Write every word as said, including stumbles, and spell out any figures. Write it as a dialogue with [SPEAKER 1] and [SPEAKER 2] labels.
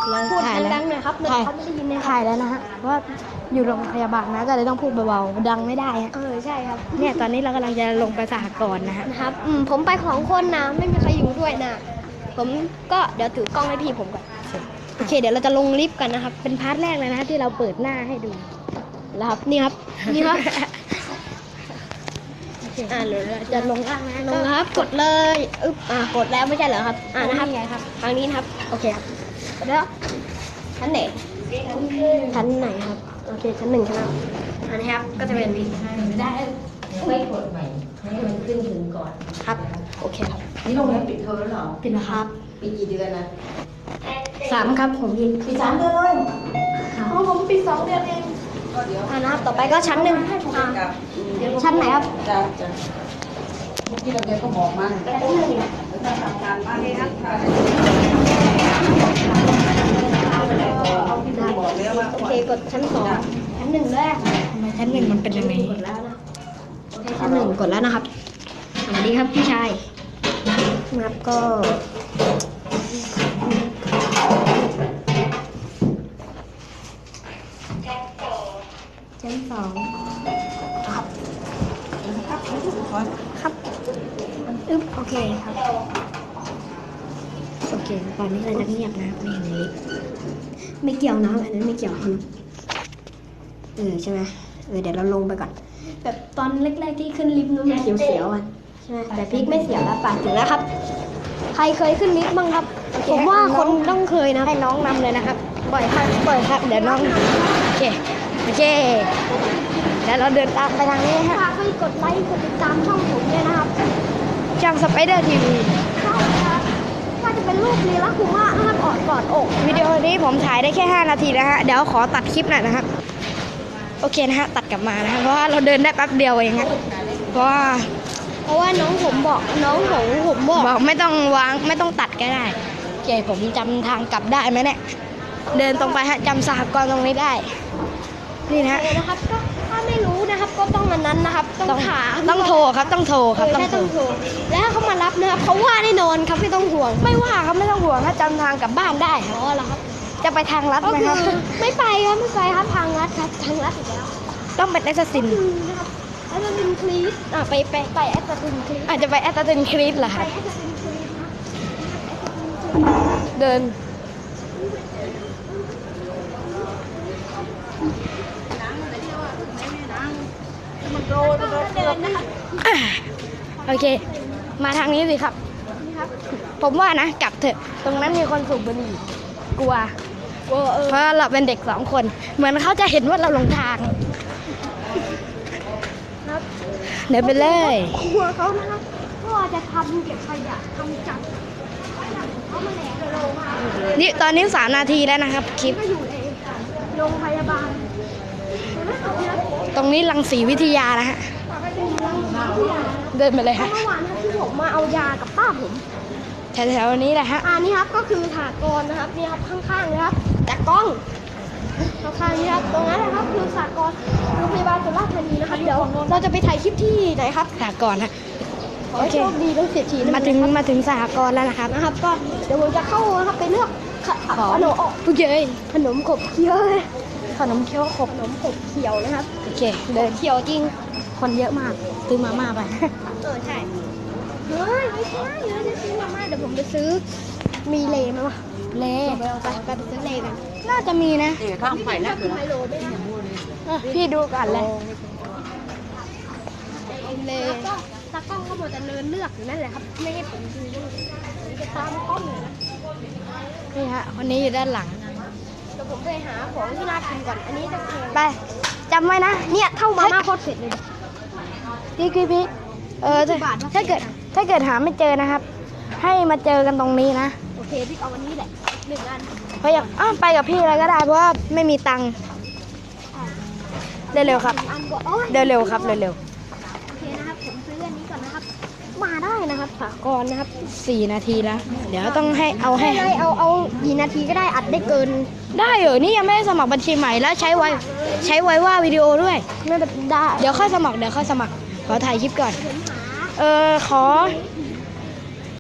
[SPEAKER 1] พูดดังๆหน่อยครับเขาไม่ได้ยินเลยถ่ายแล้วนะฮะเพราะว่าอยู่โรงพยาบาลนะก็เลยต้องพูดเบาๆดังไม่ได้ฮะเออใช่ครับเนี่ยตอนนี้เรากำลังจะลงไปสหกรณ์นะฮะนะครับอืมผมไปของคนนะไม่มีใครอยู่ด้วยนะผมก็เดี๋ยวถือกล้องให้พี่ผมก่อนโอเคเดี๋ยวเราจะลงลิฟต์กันนะครับเป็นพาร์ทแรกเลยนะที่เราเปิดหน้าให้ดูแล้วครับนี่ครับนี่ครับอ่าเดี๋ยวเราจะลงล่างนะลงครับกดเลยอึ๊บอ่ากดแล้วไม่ใช่เหรอครับอ่านะครับทางนี้นะครับโอเคครับแล้วชั้นไหนชั้นไหนครับโอเคชั้นหนึ่งครับอันนี้ครับก็จะเป็นได้
[SPEAKER 2] ไม่กดใหม่ให้มันขึ้นถึงก่อน
[SPEAKER 1] ครับโอเคครับ
[SPEAKER 2] นี่โรงเรียนปิดเทอมแล้วเหรอ
[SPEAKER 1] ปิดแล้วครับ
[SPEAKER 2] ปีกี่เดือนนะ
[SPEAKER 1] สามครับผมยิน
[SPEAKER 2] ปีสามเดือนเลย
[SPEAKER 1] ของผมปีสองเดือนเอง
[SPEAKER 2] ก็เดี๋ยว
[SPEAKER 1] อ่านะครับต่อไปก็ชั้นหนึ่งชั้นไหนครับ
[SPEAKER 2] จ้ะจ้ะเมื่อกี้เราเรียนก็บอกมาแล้วถ้าทำการบ้านครับบอกแล้วว่า
[SPEAKER 1] โอเคกดชั้นสองชั้นหนึ่งแรกทำไมชั้นหนึ่งมันเป็นยังไงกดแล้วนะโอเคชั้นหนึ่งกดแล้วนะครับสวัสดีครับพี่ชายนับก็ชั้นสองครับครับอึ๊บโอเคครับโอเคตอนนี้เราจะเงียบนะไม่เห็นในลิฟต์ไม่เกี่ยวนะอันนั้นไม่เกี่ยวครับเออใช่ไหมเออเดี๋ยวเราลงไปก่อนแบบตอนแรกๆที่ขึ้นลิฟต์นู้นมันเสียวๆอ่ะใช่ไหมแต่พลิกไม่เสียวแล้วป่ะถึงแล้วครับใครเคยขึ้นลิฟต์บ้างครับผมว่าคนต้องเคยนะให้น้องนำเลยนะครับปล่อยครับปล่อยครับเดี๋ยวน้องโอเคโอเคแล้วเราเดินตามไปทางนี้ฮะฝากให้กดไลค์กดติดตามช่องผมด้วยนะครับช่องสไปเดอร์ทีวีใช่ครับถ้าจะเป็นรูปลีลาคุมะนะครับออดกอดอกวิดีโอนี้ผมถ่ายได้แค่ห้านาทีนะฮะเดี๋ยวขอตัดคลิปหน่อยนะครับโอเคนะฮะตัดกลับมานะเพราะว่าเราเดินได้แป๊บเดียวเองฮะเพราะว่าเพราะว่าน้องผมบอกน้องของผมบอกบอกไม่ต้องวางไม่ต้องตัดก็ได้โอเคผมจำทางกลับได้ไหมเนี่ยเดินตรงไปฮะจำสหกรณ์ตรงนี้ได้นี่นะนะครับก็ถ้าไม่รู้นะครับก็ต้องอันนั้นนะครับต้องถามต้องโทรครับต้องโทรครับต้องโทรแล้วถ้าเขามารับนะครับเขาว่าแน่นอนครับไม่ต้องห่วงไม่ว่าครับไม่ต้องห่วงถ้าจำทางกลับบ้านได้อ๋อเหรอครับจะไปทางลัดไหมครับไม่ไปครับไม่ไปครับทางลัดครับทางลัดอีกแล้วต้องเป็นแอสซัสซินนะครับแอสซัสซินครีสอ่ะไปไปไปแอสซัสซินครีสอาจจะไปแอสซัสซินครีสเหรอครับเดินโอเคมาทางนี้สิครับผมว่านะกลับเถอะตรงนั้นมีคนสูบบุหรี่กลัวเพราะเราเป็นเด็กสองคนเหมือนเขาจะเห็นว่าเราหลงทางเดินไปเลยกลัวเขานะครับก็จะทำเก็บขยะทำจับเขามาแหลกโรงพยาบาลนี่ตอนนี้สามนาทีแล้วนะครับคลิปอยู่ในโรงพยาบาลตรงนี้รังสีวิทยานะฮะเดินไปเลยฮะเมื่อวานที่ผมมาเอายากับป้าผมแถวๆนี้แหละฮะอ่านี่ครับก็คือสหกรณ์นะครับนี่ครับข้างๆนะครับจากกล้องข้างๆนี่ครับตรงนั้นนะครับคือสหกรณ์โรงพยาบาลสุราษฎร์ธานีนะครับเดี๋ยวเราจะไปถ่ายคลิปที่ไหนครับสหกรณ์ฮะโอเคโชคดีต้องเสียทีมาถึงมาถึงสหกรณ์แล้วนะครับนะครับก็เดี๋ยวผมจะเข้านะครับไปเลือกขนมผู้ใหญ่ขนมขบเคี้ยวขนมเคี้ยวขบขนมขบเคี้ยวนะครับโอเคเดินเคี้ยวจริงคนเยอะมากซื้อมาม่าไปเออใช่เฮ้ยไม่ใช่เดี๋ยวจะซื้อมาม่าเดี๋ยวผมไปซื้อมีเลไหมวะเลไปเอาไปไปซื้อเลกันน่าจะมีนะ
[SPEAKER 2] เดี๋ยวข้างไผ่นะคือ
[SPEAKER 1] พี่ดูกันเลยเลตากล้องก็หมดจะเดินเลือกอยู่นั่นแหละครับไม่ให้ผมดูจะตามกล้องเลยนะนี่ฮะคนนี้อยู่ด้านหลังเดี๋ยวผมไปหาของที่น่ากินก่อนอันนี้จะไปจำไว้นะเนี่ยเท่ามาม่าโคตรเผ็ดเลยพี่พี่พี่เออถ้าเกิดถ้าเกิดหาไม่เจอนะครับให้มาเจอกันตรงนี้นะโอเคพี่เอาวันนี้แหละหนึ่งอันเพราะอย่างอ้าวไปกับพี่อะไรก็ได้เพราะว่าไม่มีตังค์เร็วๆครับเร็วๆครับเร็วๆโอเคนะครับผมซื้ออันนี้ก่อนนะครับมาได้นะครับสากรนะครับสี่นาทีแล้วเดี๋ยวต้องให้เอาให้เอาเอากี่นาทีก็ได้อัดได้เกินได้เหรอนี่ยังไม่ได้สมัครบัญชีใหม่แล้วใช้ไว้ใช้ไว้ว่าวิดีโอด้วยไม่ได้เดี๋ยวค่อยสมัครเดี๋ยวค่อยสมัครขอถ่ายคลิปก่อนเออขอ